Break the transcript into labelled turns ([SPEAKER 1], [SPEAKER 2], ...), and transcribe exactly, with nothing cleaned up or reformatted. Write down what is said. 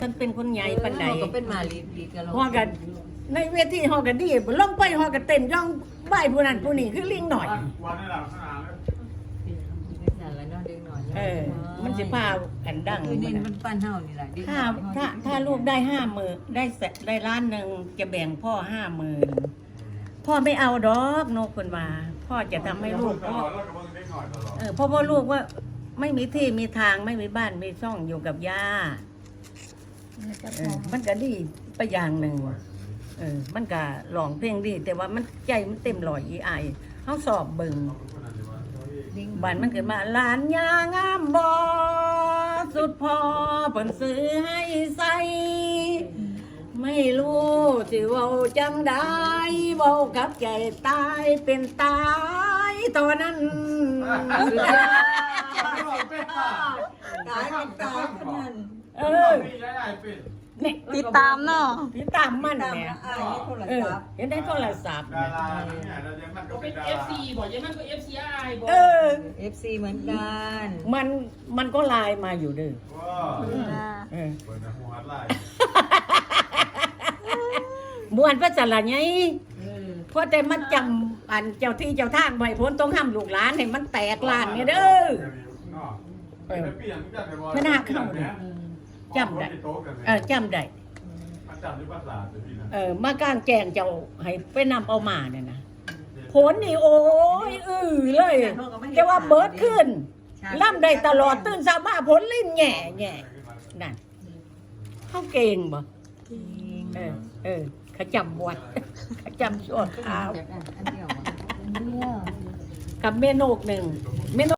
[SPEAKER 1] ฉันเป็นคนใหญ่ปานใด
[SPEAKER 2] ก็เป็นมาลีดลีดกัน
[SPEAKER 1] ฮอกันในเวทีฮอกันดีลงไปฮอกันเต้นย่องบ่ายผู้นั้นผู้นี้คือลิงหน่อย
[SPEAKER 3] วันนี้เราขนาดเลย
[SPEAKER 2] นั่นแหละเนาะเด็กหน่อย
[SPEAKER 1] เออ มันสิพากันดัง
[SPEAKER 2] คือนี่มันปั้นเฮานี่แหละ
[SPEAKER 1] ถ้าถ้าถ้าลูกได้ห้าหมื่นได้แสนได้ล้านหนึ่งจะแบ่งพ่อห้าหมื่นพ่อไม่เอาดอกนกคนมาพ่อจะทำให้ลูกพ่อเออพ่อพ่อลูกว่าไม่มีที่มีทางไม่มีบ้านมีช่องอยู่กับย่าเออมันก็ดีไปอย่างหนึ่งเออมันก็หลองเพลงดี แต่ว่ามันใจมันเต็มร้อยอีไอเขาสอบเบิ่งบ้านมันเกิดมาหลานยางามบอสุดพอเพิ่นซื้อให้ใส่ไม่รู้สิเว้าจังได้เว้ากับใจตายเป็นตายตอนนั้น
[SPEAKER 2] ตายเป็นตายคนนั้น
[SPEAKER 1] เออเนี่ย
[SPEAKER 4] ติดตามเนาะ
[SPEAKER 1] ติดตามมัน
[SPEAKER 2] ตาม
[SPEAKER 1] แหม่
[SPEAKER 2] อายให้โทร
[SPEAKER 1] เออ
[SPEAKER 2] ศัพท์
[SPEAKER 1] เห็นได้โทรศัพท์
[SPEAKER 3] ดาราเนี่ยเรายังมันก็
[SPEAKER 5] เป็
[SPEAKER 3] เป็น
[SPEAKER 5] น
[SPEAKER 3] ดา
[SPEAKER 5] เอฟ
[SPEAKER 3] รา
[SPEAKER 5] ซีบอกยังมันก็เอฟซีไอบอก
[SPEAKER 1] เออ
[SPEAKER 2] เอฟซีเหมือนกัน
[SPEAKER 1] มันมันก็ไลน์มาอยู่เด้อ
[SPEAKER 3] ว้า
[SPEAKER 4] อ่า
[SPEAKER 1] เออ
[SPEAKER 3] เปิดนะหัวไหล่
[SPEAKER 1] มวนพระจันทร์ไงเพราะแต่มันจำอันเจ้าที่เจ้าทางไว้พ้นต้องห้ามลูกหลานให้มันแตกลานเนี่ยเด้อ ไม่น่าเข้าเลยจำได้ เออจำได้
[SPEAKER 3] จำด้วยภาษาเลยพี่นะ
[SPEAKER 1] เออมากลางแจงเจ้าให้ไปนำเอามาเนี่ยนะผลนี่โอ้ยอือเลยแต่ว่าเบิดขึ้นล่ำได้ตลอดตื่นสามาผลลิ้นแง่แง่นั่นเขาเก่งบ่เออเออเขาจำวัดเขาจำชั่วคราว
[SPEAKER 2] อันเดียว
[SPEAKER 1] กับเมนูหนึ่งเมนู